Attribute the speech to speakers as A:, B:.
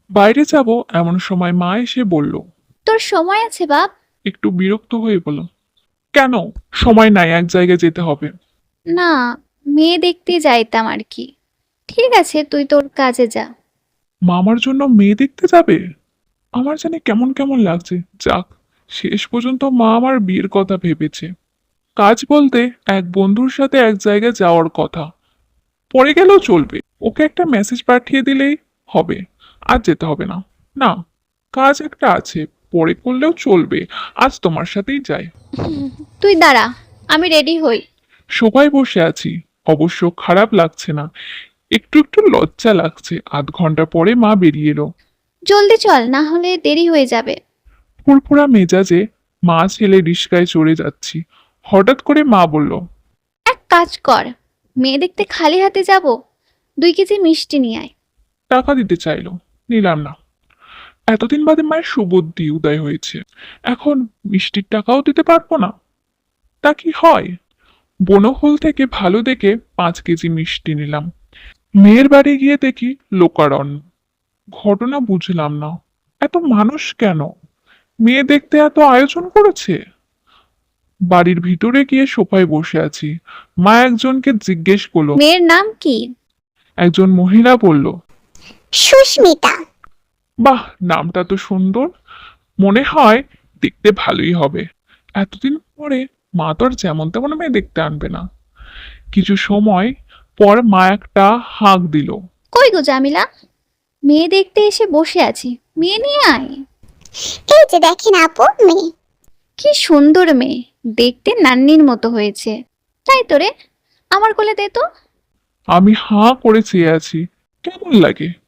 A: বাইরে যাব এমন সময় মা এসে বলল।
B: তোর সময় আছে বাপ?
A: একটু বিরক্ত হয়ে বলল, কেন? সময় নাই, এক জায়গায় যেতে হবে।
B: না, মেয়ে দেখতে যাইতাম আর কি। ঠিক আছে, তুই তোর কাজে যা।
A: মামার জন্য মেয়ে দেখতে যাবে? আমার জানি কেমন কেমন লাগছে। যাক, শেষ পর্যন্ত মা আমার বিয়ের কথা ভেবেছে। কাজ বলতে এক বন্ধুর সাথে এক জায়গায় যাওয়ার কথা। পরে গেলেও চলবে, ওকে একটা মেসেজ পাঠিয়ে দিলেই হবে। আজ যেতে হবে না। না, কাজ একটা আছে, পরে করলেও চলবে। আজ তোমার সাথেই যাই।
B: তুই দাঁড়া, আমি রেডি হই।
A: সবাই বসে আছি, অবশ্য খারাপ লাগছে না, একটু একটু লজ্জা লাগছে। আধ ঘন্টা পরে মা বেরিয়ে এলো।
B: জলদি চল, না হলে দেরি হয়ে যাবে।
A: ফুরফুরা মেজাজে মা ছেলে রিস্কায় চড়ে যাচ্ছি। হঠাৎ করে মা বলল,
B: এক কাজ কর, মেয়ে দেখতে খালি হাতে যাব, 2 কেজি মিষ্টি নিয়ে আয়।
A: টাকা দিতে চাইলো, নিলাম না। এতদিন বাদে মায়ের সুবুদ্ধি উদয় হয়েছে, এখন মিষ্টির টাকাও দিতে পারবো না? তা কি হয়? বনফুল থেকে ভালো দেখে 5 কেজি মিষ্টি নিলাম। মেয়ের বাড়ি গিয়ে দেখি লোকারণ্য। ঘটনা বুঝলাম না, এত মানুষ কেন? মেয়ে দেখতে এত আয়োজন করেছে। বাড়ির ভিতরে গিয়ে সোফায় বসে আছি। মা একজনকে জিজ্ঞেস করলো।
B: মেয়ের নাম কি?
A: একজন মহিলা বলল,
C: সুস্মিতা।
A: বাহ, নামটা তো সুন্দর। মনে হয় দেখতে ভালোই হবে। এতদিন পরে মা তো আর যেমন তেমন মেয়ে দেখতে আনবে না। কিছু সময় পর মা একটা হাঁক দিল।
B: কই গো জামিলা, মেয়ে দেখতে এসে বসে আছি, মেয়ে নিয়ে আয়।
C: এই যে দেখেন আপু, মেয়ে।
B: কি সুন্দর মেয়ে, দেখতে নান্নির মতো হয়েছে। তাই তো রে, আমার কোলে দে তো।
A: আমি হাঁ করে চেয়ে আছি। কেমন লাগে?